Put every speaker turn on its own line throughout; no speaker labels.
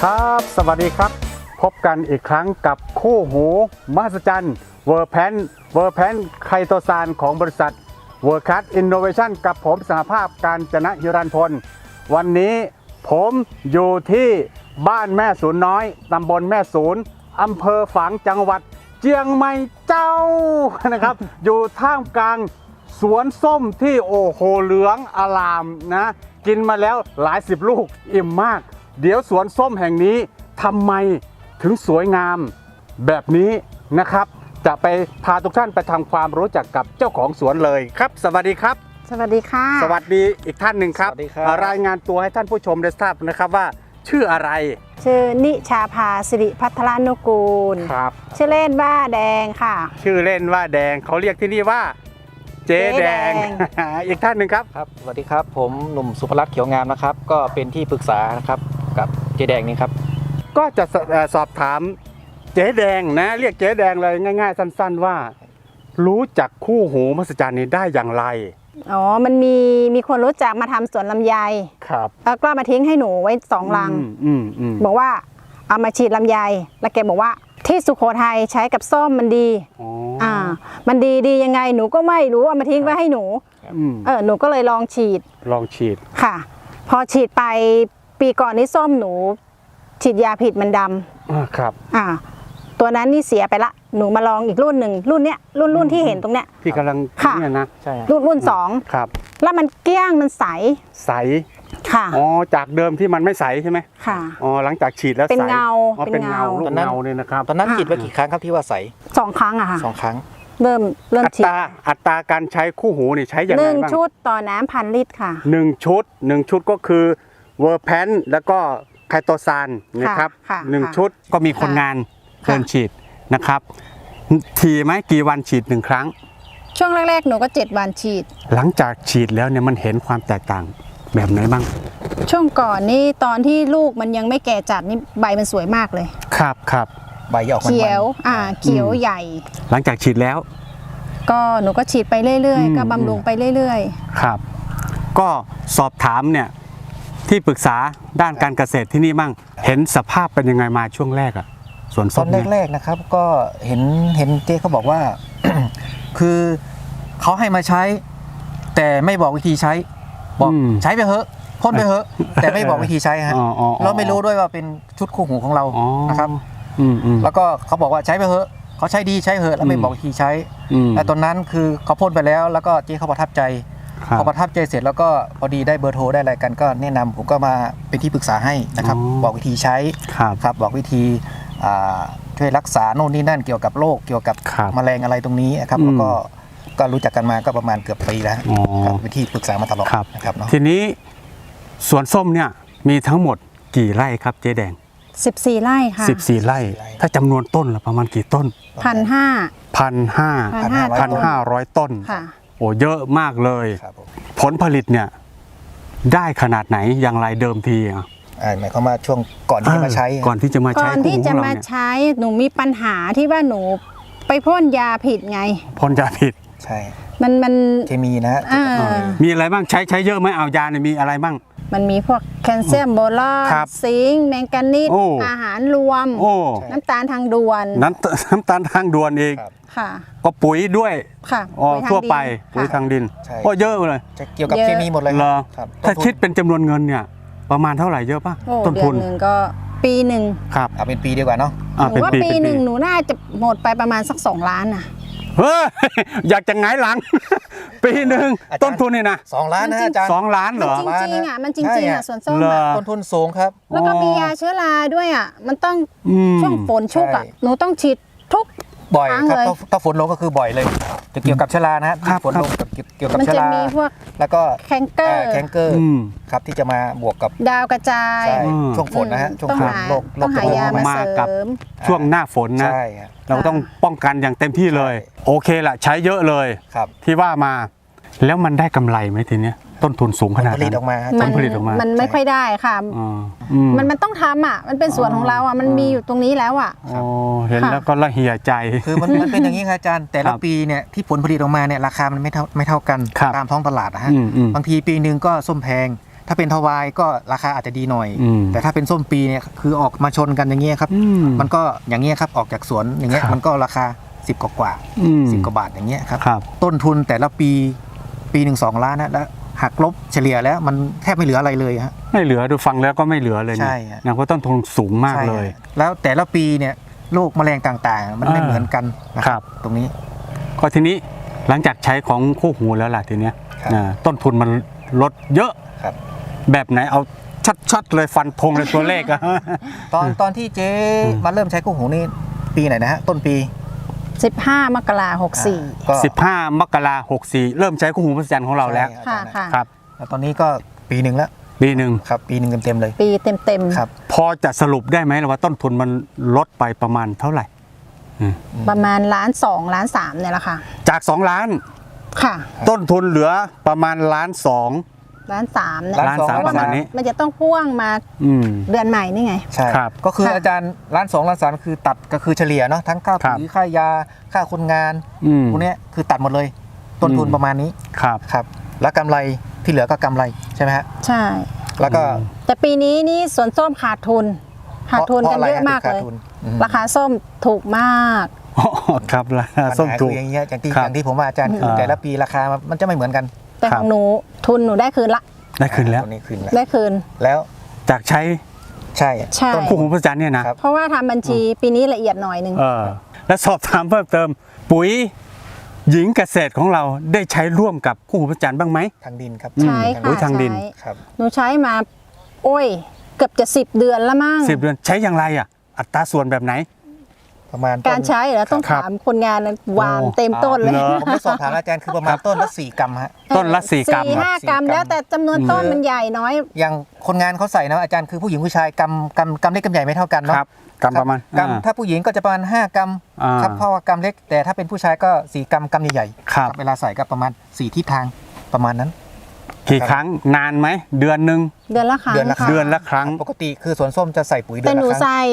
ครับสวัสดีครับพบกันอีกครั้งกับคู่หูมหัศจรรย์เวอร์แพนไคโตซานของบริษัทเวอร์คัสอินโนเวชันกับผมสหภาพการจนะฮิรันพลวันนี้ผมอยู่ที่บ้านแม่ศูนย์น้อยตำบลแม่ศูนย์อำเภอฝางจังหวัดเจียงใหม่เจ้านะครับ อยู่ท่ามกลางสวนส้มที่โอ้โหเหลืองอลามนะกินมาแล้วหลายสิบลูกอิ่มมากเดี๋ยวสวนส้มแห่งนี้ทำไมถึงสวยงามแบบนี้นะครับจะไปพาทุกท่านไปทำความรู้จักกับเจ้าของสวนเลยครับสวัสดีครับ
สวัสดีค่ะ
สวัสดีอีกท่านหนึ่งครับ
สวัสดีครับ
รายงานตัวให้ท่านผู้ชมได้ทราบนะครับว่าชื่ออะไร
ชื่อนิชาภาสิริพัทรานุกูล
ครับ
ชื่อเล่นว่าแดงค่ะ
ชื่อเล่นว่าแดงเขาเรียกที่นี่ว่าเจ๊แดง อีกท่านหนึ่งครับ
ครับสวัสดีครับผมหนุ่มสุภรัตน์เขียวงามนะครับก็เป็นที่ปรึกษานะครับกับเจแดงนี่ครับ
ก็จะสอบถามเจ๊แดงนะเรียกเจ๊แดงเลยง่ายๆสั้นๆว่า รู้จักคู่หูมหัศจรรย์นี้ได้อย่างไร
อ๋อ มันมีคนรู้จักมาทำสวนลำไย
ครับ
แล้วก็มาทิ้งให้หนูไว้2 ลัง บอกว่าเอามาฉีดลำไย แล้วแกบอกว่าที่สุโขทัยใช้กับส้มมันดี
อ๋อ
มันดียังไงหนูก็ไม่รู้เอามาทิ้งไว้ให้หนู หนูก็เลยลองฉีด
ลองฉีด
ค่ะ พอฉีดไปปีก่อนนี้ส้มหนู ฉีดยาผิดมันดำ
ครับ
ตัวนั้นนี่เสียไปละ หนูมาลองอีกรุ่นหนึ่งรุ่นเนี้ยรุ่นที่เห็นตรงเนี้ย
ที่กำลัง
ค่ะ
เนี่ยนะ
ใช่ครับ
รุ่นสอง
ครับ
แล้วมันเกลี้ยงมันใส
ใส
ค่ะ
อ๋อจากเดิมที่มันไม่ใสใช่ไหม
ค่ะ
อ๋อหลังจากฉีดแล้วใส
เป็นเงา
อ๋อ
เป็
เป็น
น
เงา
เงา
ลูกเงาเนี่ยนะครับ
ตอนนั้นฉีดไปกี่ครั้งครับที่ว่าใส
2 ครั้งอะค่ะ
2 ครั้ง
เริ่ม
อั
ฉีด
ตราการใช้คู่หูนี่ใช้อย่างไร
หนึ่ง
บ้าง
ชุดต่อน้ำ1,000 ลิตรค่ะ
หนึ่งชุดก็คือเวอร์แพนแล้วก็ไคโตซานนะครับ
ค่ะ
หนึ่ง
ค่ะ
ชุดก็มีคนงาน
ค่ะ
เดินฉีดนะครับทีไหมกี่วันฉีดหนึ่งครั้ง
ช่วงแรกๆหนูก็7 วันฉีด
หลังจากฉีดแล้วเนี่ยมันเห็นความแตกต่างแบบไหนบ้าง
ช่วงก่อนนี่ตอนที่ลูกมันยังไม่แก่จัดนี่ใบมันสวยมากเลย
ครับ
ใบจะออกมันๆ
เขียวเขียวใหญ่
หลังจากฉีดแล้ว
ก็หนูก็ฉีดไปเรื่อย
อืม
ๆ ก็บำรุงไปเรื่อย
ครับ ก็สอบถามเนี่ยที่ปรึกษาด้านการเกษตรที่นี่มั่งเห็นสภาพเป็นยังไงมาช่วงแรกอะสวน
ต
ส้
อ
ม
น
เนี่ย
แรกๆนะครับก็เห็นเจ๊เขาบอกว่า คือเขาให้มาใช้ แต่ไม่บอกวิธีใช้บอกใช้ไปเถอะพ่นไปเถอะแต่ไม่บอกวิธีใช้ฮะ
อ๋อ
เราไม่รู้ด้วยว่าเป็นชุดคู่หูของเรา
อ๋อ
นะครับ
อืม
แล้วก็เขาบอกว่าใช้ไปเถอะเขาใช้ดีใช้เถอะแล้วไม่บอกวิธีใช้
ม
แต่ตอนนั้นคือเขาพ่นไปแล้วแล้วก็เจ๊เขาประทับใจ
ครับ
พอประทับใจเสร็จแล้วก็พอดีได้เบอร์โทรได้อะไรกันก็แนะนำผมก็มาเป็นที่ปรึกษาให้นะครับ
อ๋อ
บอกวิธีใช้
ครับ
ครับบอกวิธีช่วยรักษาโน่นนี่นั่นเกี่ยวกับโรคเกี่ยวกับ
ครับ
แมลงอะไรตรงนี้นะครับ
อืม
แล้วก็รู้จักกันมาก็ประมาณเกือบปีแล้ว
อ๋อ
ครับเป็นที่ปรึกษามาตลอด
ครับ
นะครับเนาะ
ทีนี้สวนส้มเนี่ยมีทั้งหมดกี่ไร่ครับเจ๊แดง
ๆ 14 ไร่ค่ะ
14 ไร่ ถ้าจำนวนต้นละประมาณกี่ต้น
1,500
1,500 ต้น
ค่ะ
โอ้เยอะมากเลย
ครับผม
ผลผลิตเนี่ยได้ขนาดไหนอย่างไรเดิมทีอ่ะ
หมายความว่าช่วงก่อนที่จะมาใช้
ก่อนที่จะมา
ก่
ใช้
อน
คู่
ที่
หูข
จะ
องเรา
มา
เนี่ย
ใช้หนูมีปัญหาที่ว่าหนูไปพ่นยาผิดไง
พ่นยาผิด
ใช่
มัน
เคมีนะฮะ
มีอะไรบ้างใช้เยอะไหมเอายาเนี่ยมีอะไรบ้าง
มันมีพวกแคลเซียมโบรอน
ครับ
ซิงค์แมงกานีส
โอ้
อาหารรวม
โอ้
น้ำตาลทางด่วน
น้ำตาลทางด่วนอีก
ครับ
ค่ะ
ก็ปุ๋ยด้วย
ค่ะ
อ๋อ
ปุ๋ยทาง
ทั่วไป
ดิน
ปุ๋ย
ค่ะ
ทางดิน
ใช่
ก็เยอะเลย
จะเกี่ยวกับ
เยอะ
เคมีหมดเลย
เหรอ
ครับ
ถ้า
ต้นทุน
คิดเป็นจำนวนเงินเนี่ยประมาณเท่าไหร่เยอะป่ะ
โอ้
ต้น
เดื
ทุ
อน นหนึ่งก็ปีหนึ่ง
ครับ
เอาเป็นปีดีกว่าเนาะ
หนูว่าปีหนึ่งหนูน่าจะหมดไปประมาณสัก2 ล้านน่ะ
เฮ้ย อยากจะหงายหลัง ปีหนึ่ง
อาจารย์
ต้นทุนนี่นะ
2 ล้านนะอาจารย์
2 ล้านเหรอ
มันจริงๆอ่ะมันจริงๆอ่ะสวนส้ม
เหรอ
อ่ะ
ต้นทุนสูงครับ
แล้วก็มียาเชื้อราด้วยอ่ะมันต้อง
อืม
ช่วงฝนชุกอ่ะ
ใช่
หนูต้องฉีดทุก
บ่อย
ครั้ง
ครับ
เลย
ถ้าฝนลงก็คือบ่อยเลย จะเกี่ยวกับเชื้อรานะฮะ
ครับ
ฝนลงกับเกี่ยวกับ
มัน
เชื้อ
จะ
รา
มีพวก
แล้วก็
แคนเกอร์
แคนเกอร์
อืม
ครับที่จะมาบวกกับ
ดาวกระจาย
ใช่
อืม
ช่วงฝนนะฮะช่วง
ต้อง
ฝน
หา
โรค
ต้องหายามา
มา
เส
กับ
ริม
ช่วงหน้าฝนนะ
ใช่ฮะ
เราต้องป้องกันอย่างเต็มที่เลย
ใช่
โอเคละใช้เยอะเลย
ครับ
ที่ว่ามา แล้วมันได้กำไรไหมทีเนี้ยต้นทุนสูงขนาด
ผลิ
นั้
ต
น
ออกมาฮะ
ผลผลิตออกมา
มันไม่ค่อยได้ค่ะ
อ๋ออืม
มันต้องทำอ่ะมันเป็นส่วนของเราอ่ะมันมีอยู่ตรงนี้แล้วอ่ะ
โอ้เห็น
ค่ะ
แล้วก็ละเหี่ยใจ
คือมันเป็นอย่างนี้ครับอาจารย์แต่
ครั
ละ
บ
ปีเนี่ยที่ผลผลิตออกมาเนี่ยราคามันไม่เท่ากัน
ครับ
ตามท้องตลาดนะฮะ
อืม
บางทีปีหนึ่งก็ส้มแพงถ้าเป็นทวายก็ราคาอาจจะดีหน่อย
อืม
แต่ถ้าเป็นส้มปีเนี่ยคือออกมาชนกันอย่างเงี้ยครับ
อืม
มันก็อย่างเงี้ยครับออกจากสวนอย่างเงี้ย
ครับ
มันก็ราคา10กว่า
อืม
10 กว่าบาทอย่างเงี้ยครับ
ครับ
ต้นทุนแต่ละปีหนึ่ง2 ล้านนะแล้วหักลบเฉลี่ยแล้วมันแทบไม่เหลืออะไรเลยฮะ
ไม่เหลือดูฟังแล้วก็ไม่เหลือเลย
ใช่
เนี่ย
ฮะ
นะเพราะต้นทุนสูงมาก
ใช่
เลย
ฮะแล้วแต่ละปีเนี่ยโรคแมลงต่างๆ มันไม่
อ่า
เหมือนกันนะค
ครั
รับ บตรงนี้
ก็ทีนี้หลังจากใช้ของคู่หูแล้วล่ะทีเนี้ย
ครับ
ต้นทุนมันลดเยอะ
ครับ
แบบไหนเอาชัดๆเลยฟันธงเลยตัวเลขอะ
ตอนที่เจ๊มาเริ่มใช้คู่หูนี่ปีไหนนะฮะต้นปี
15 มกราคม 64
ก็
15 มกราคม 64 เริ่มใช้คู่หูมหัศจรรย์ของเราแล้ว
ใช่
ค่ะ
อาจารย์
ค่ะ
ครับ
แล้วตอนนี้ก็ปีหนึ่งแล้ว
ปีหนึ่ง
ครับปีหนึ่งเต็มๆเลย
ปีเต็ม
ครับ
พอจะสรุปได้ไหมว่าต้นทุนมันลดไปประมาณเท่าไหร่
ๆ ประมาณ1.2 ล้าน3เนี่ยแหละค่ะ
จาก 2 ล้าน
ค่ะ
ต้นทุนเหลือประมาณ1.2 ล้าน
1.3 เนี่ย
ล้านสาม
เพราะว่า
ประมาณนี้
มันจะต้องพ่วงมา
อืม
เดือนใหม่นี่ไง
ใช่
ครับ
ก็คือ
ค่ะ
อาจารย์1.2 ล้านคือตัดก็คือเฉลี่ยเนาะทั้งค่า
ครับ
ปุ๋ยค่ายาค่าคนงาน
อืม
พวกเนี้ยคือตัดหมดเลย ต้นทุน
อืม
ประมาณนี้
ครับ
ครับแล้วกำไรที่เหลือก็กำไรใช่ไหมฮะ
ใช่
แล้วก็
แต่ปีนี้นี่สวนส้มขาดทุน ขาดทุนกันเยอะมาก
พร
เลย
ไรฮะถึงขดทุนอืม
ราคาส้มถูกมาก
อ๋อครับราคา
ปัญ
ส้ม
หา
ถู
คื
ก
ออย่างเงี้ยอย่างที่
ครับ
อย่างที่ผมว่าอาจารย์คือ
อ่า
แต่ละปีราคามันจะไม่เหมือนกัน
แต่
ครั
ข
บ
องหนูทุนหนูได้คืนละ
ได้คืนแล้ว
ตัวนี้คืนแล้ว
ได้คืน
แล้ว
จากใช้
ใช่
ใช่
ต้น
คู่หูมหัศจรรย์เนี่ยนะครับ
เพราะว่าทำบัญชีปีนี้ละเอียดหน่อยหนึง
และสอบถามเพิ่มเติม ปุ๋ยหญิงเกษตรของเราได้ใช้ร่วมกับคู่หูมหัศจรรย์บ้างไหม
ทางดินครับ
ใช้
ปุ๋
ค่ะ
ยทางดิน
ใช้
ครับ
หนูใช้มา โอ้ย เกือบจะ10 เดือนแล้วมั้ง
10 เดือนใช้อย่างไรอ่ะ อัตราส่วนแบบไหน
ประมาณ
การใช้เหรอต้อง
ครับ
ถามคนงานวาง
โอ้
เต็มต้นเลย
เหรอ
ผมได้สอบถามอาจารย์คือประมาณต้นละ4 กรัมฮะ
ต้นละ4 กรัม
4-5 กรัม
4
แล้วแต่จำนวนต้นมันใหญ่น้อย
อย่างคนงานเขาใส่นะอาจารย์คือผู้หญิงผู้ชายกำเล็กกำใหญ่ไม่เท่ากันเนาะ
ครับกรัมประมาณ
กำถ้าผู้หญิงก็จะประมาณ5 กรัม
อ่า
ครับเพราะว่ากำเล็กแต่ถ้าเป็นผู้ชายก็4 กรัมกำใหญ่ๆ
ครับ
เวลาใส่ก็ประมาณ4 ทิศทางประมาณนั้น
กี่ครั้งนานไหมเดือนหนึ่ง
เดือนละครั้ง
เดือนละครั้ง
ค่ะ
เดือนละครั้ง
ปกติคือสวนส้มจะใส่ปุ๋ยเดื
แต่
อน
หนู
ละครั้ง
ใส่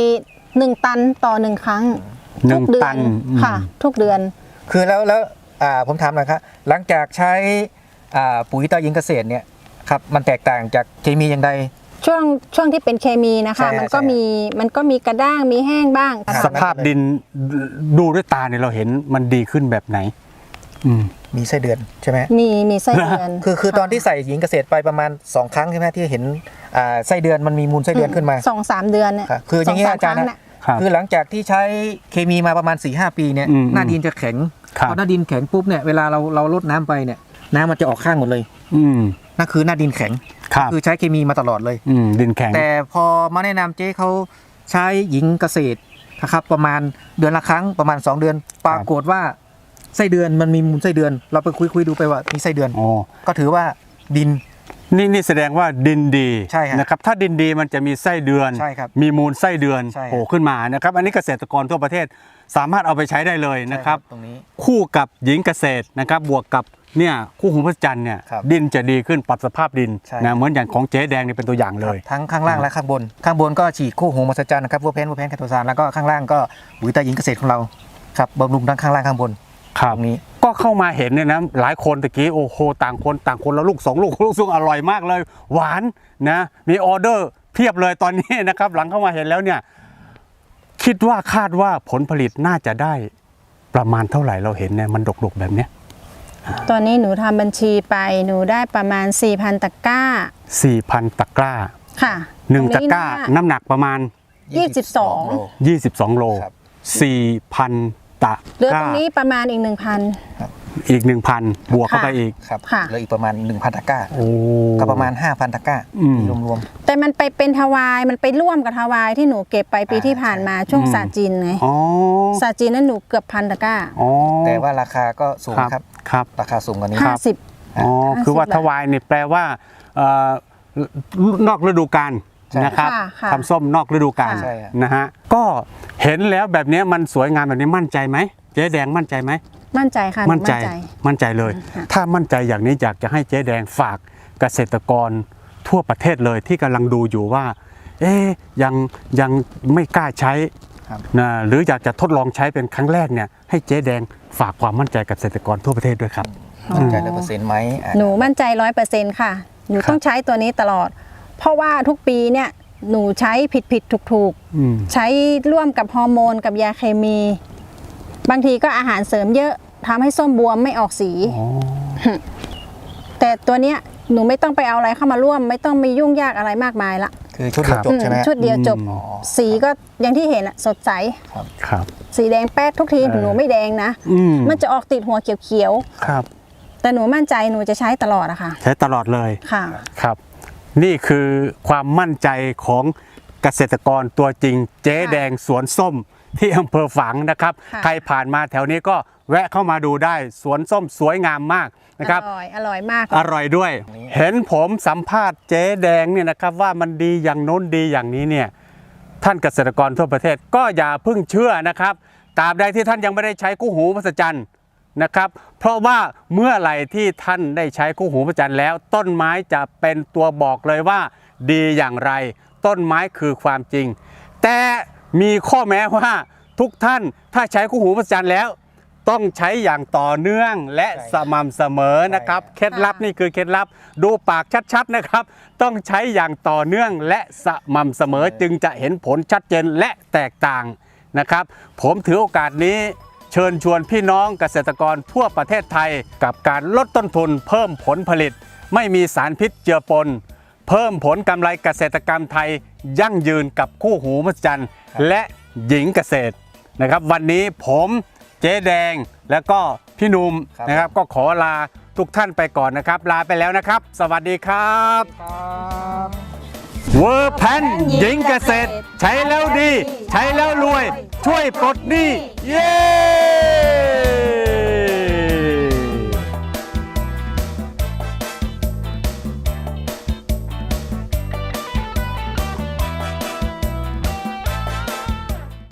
1 ตันต่อ 1 ครั้ง
หนึ่
ทุ
ง
กเดือ
ตั
น
นอืม
ค่ะ ทุกเดือน
คือแล้วผมถามหน่อยครับหลังจากใช้ปุ๋ยตายิงเกษตรเนี่ยครับมันแตกต่างจากเคมีอย่างใด
ช่วงที่เป็นเคมีนะคะ
ใช่
มันก็
ใช่
มีกระด้างมีแห้งบ้าง
ครับ
สภาพดินดูด้วยตาเนี่ยเราเห็นมันดีขึ้นแบบไหน อืม
มีไส้เดือนใช่ไหม
มีไส้เดือน
คือตอนที่ใส่หญิงเกษตรไปประมาณ2 ครั้งใช่ไหมที่เห็นไส้เดือนมันมีมูลไส้เดือนขึ้นมา
2-3 เดือนเนี่ย
ครับคืออย่างนี้
ส
อาจารย์
คง
นะ
น่ะ
ครับ
คือหลังจากที่ใช้เคมีมาประมาณ 4-5 ปีเนี่ย
อืม
หน้าดินจะแข็ง
ครับ
พอหน้าดินแข็งปุ๊บเนี่ยเวลาเราลดน้ำไปเนี่ยน้ำมันจะออกข้างหมดเลย
อืม
นั่นคือหน้าดินแข็ง
ครับ
คือใช้เคมีมาตลอดเลย
ดินแข็ง
แต่พอมาแนะนำเจ๊เขาใช้หญิงเกษตรนะครับประมาณเดือนละครั้งประมาณ 2 เดือน ปรากฏว่าไส้เดือนมันมีมูลไส้เดือน เราไปคุยดูไปว่ามีไส้เดือน
อ๋อ
ก็ถือว่าดิน
นี่แสดงว่าดินดี
ใช่ครับ
นะครับถ้าดินดีมันจะมีไส้เดือน
ใช่ครับ
มีมูลไส้เดือน
ใช่ครับ
โผล่ขึ้นมานะครับอันนี้เกษตรกรทั่วประเทศสามารถเอาไปใช้ได้เลยนะครับ
ตรงนี้
คู่กับหญิงเกษตรนะครับบวกกับเนี่ยคู่หูพระจันทร์เนี่ย
ครับ
ดินจะดีขึ้นปรับสภาพดิน
ใช่
นะเหมือนอย่างของเจ๊แดงนี่เป็นตัวอย่างเลย
ทั้งข้างล่างและข้างบน ข้างบนก็ฉีดคู่หูมหัศจรรย์นะครับวัวแพนแคทโทซานแล้วก็ข้างล่างก็ปุ๋ยตาหญิงเกษตรของเราครับบำรุงทั้งข้างล่างข้างบน
ครับ
ตรงนี้
ก็เข้ามาเห็นเนี่ยนะหลายคนตะกี้โอ้โหต่างคนแล้วลูก2 ลูกซึ่งอร่อยมากเลย หวานนะมีออเดอร์เพียบเลยตอนนี้นะครับหลังเข้ามาเห็นแล้วเนี่ยคิดว่าคาดว่าผลผลิตน่าจะได้ประมาณเท่าไหร่เราเห็นเนี่ยมันดกๆแบบเนี้ย
ตอนนี้หนูทำบัญชีไปหนูได้ประมาณ 4,000 ตะกร้า
4,000 ตะกร้า
ค่ะ
1 ตะกร้าน้ำหนักประมาณ
22
โล
22 โล
ครับ
4,000 ตะ
เหลือก ตร
ร้า
งนี้ประมาณอีก
อีก 1,000 บวกเข้าไปอีก
ครับ
ค่ะ
เหลืออีกประมาณ 1,000 ตะกร้า
โอ้
ก็ประมาณ 5,000 ตะกร้า
อืม
รวม
1,000 แต่มันไปเป็นทวายมันไปร่วมกับทวายที่หนูเก็บไปปีที่ผ่านมาช่วงศาสตร์จีนไง
อ๋อ
ศาสตร์จีนนั้นหนูเกือบ1,000 ตะกร้า
อ๋อ
ๆ แต่ว่าราคาก็สูง
ครับ
ครับ
ครับ
ราคาสูงกว่านี้
50
อ๋อ
50
คือว่า
บาท
ทวายเนี่ยแปลว่านอกฤดูกาล
ใช่
นะครับ
ค่ะ
ทำส้มนอกฤดูกาล
ใช่ครับ
นะฮะก็เห็นแล้วแบบนี้มันสวยงามแบบนี้มั่นใจไหมเจ๊แดงมั่นใจไหม
มั่นใจค่ะหนู
มั่นใจเลย
ค่ะ
ถ้ามั่นใจอย่างนี้อยากจะให้เจ๊แดงฝากเกษตรกรทั่วประเทศเลยที่กำลังดูอยู่ว่า ยังไม่กล้าใช้
ครับ
นะหรืออยากจะทดลองใช้เป็นครั้งแรกเนี่ยให้เจ๊แดงฝากความมั่นใจกับเกษตรกรทั่วประเทศด้วยครับ
มั่นใจ100%ไหม
หนูมั่นใจ 100%ค่ะหนู
ครับ
ต้องใช้ตัวนี้ตลอด เพราะว่าทุกปีเนี่ยหนูใช้ผิดถูก
อืม
ใช้ร่วมกับฮอร์โมนกับยาเคมี บางทีก็อาหารเสริมเยอะทำให้ส้มบวมไม่ออกสี
อ๋อ
แต่ตัวเนี้ยหนูไม่ต้องไปเอาอะไรเข้ามาร่วม ไม่ต้องมียุ่งยากอะไรมากมายละ
คือชุดเดียวจบใช่ไหม
ชุดเดียวจบ
อ๋อ
สีก็อย่างที่เห็นอะสดใส
ครับ
สีแดงแป๊ดทุกทีหนูไม่แดงนะ
อืม
มันจะออกติดหัวเขียว
ครับ
ๆแต่หนูมั่นใจหนูจะใช้ตลอดอะค่ะ
ใช้ตลอดเลย
ค่ะ
ครับ นี่คือความมั่นใจของเกษตรกรตัวจริง เจ๊แดงสวนส้มที่อำเภอฝางนะครับ
ค่ะ
ใครผ่านมาแถวนี้ก็แวะเข้ามาดูได้สวนส้มสวยงามมากนะครับ
อร่อยมาก
อร่อยด้วย เห็นผมสัมภาษณ์เจ๊แดงเนี่ยนะครับว่ามันดีอย่างโน้นดีอย่างนี้เนี่ยท่านเกษตรกรทั่วประเทศก็อย่าเพิ่งเชื่อนะครับตราบใดที่ท่านยังไม่ได้ใช้คู่หูมหัศจรรย์นะครับ เพราะว่าเมื่อไหร่ที่ท่านได้ใช้คู่หูมหัศจรรย์แล้ว ต้นไม้จะเป็นตัวบอกเลยว่าดีอย่างไร ต้นไม้คือความจริง แต่มีข้อแม้ว่าทุกท่านถ้าใช้คู่หูมหัศจรรย์แล้ว ต้องใช้อย่างต่อเนื่องและสม่ำเสมอนะครับเคล็ดลับนี่คือเคล็ดลับดูปากชัดๆนะครับ ต้องใช้อย่างต่อเนื่องและสม่ำเสมอจึงจะเห็นผลชัดเจนและแตกต่างนะครับ ผมถือโอกาสนี้เชิญชวนพี่น้องเกษตรกรทั่วประเทศไทยกับการลดต้นทุนเพิ่มผลผลิต ไม่มีสารพิษเจือปน เพิ่มผลกำไรเกษตรกรรมไทยยั่งยืนกับคู่หูมหัศจรรย์และหญิงเกษตรนะครับ วันนี้ผมเจ๊แดงแล้วก็พี่หนุ่ม
ครับ
นะครับก็ขอลาทุกท่านไปก่อนนะครับ ลาไปแล้วนะครับ สวัสดีครับเวอร์แพนหญิงเกษตร ใช้แล้วดี ใช้แล้วรวย ช่วยปลดหนี้เย้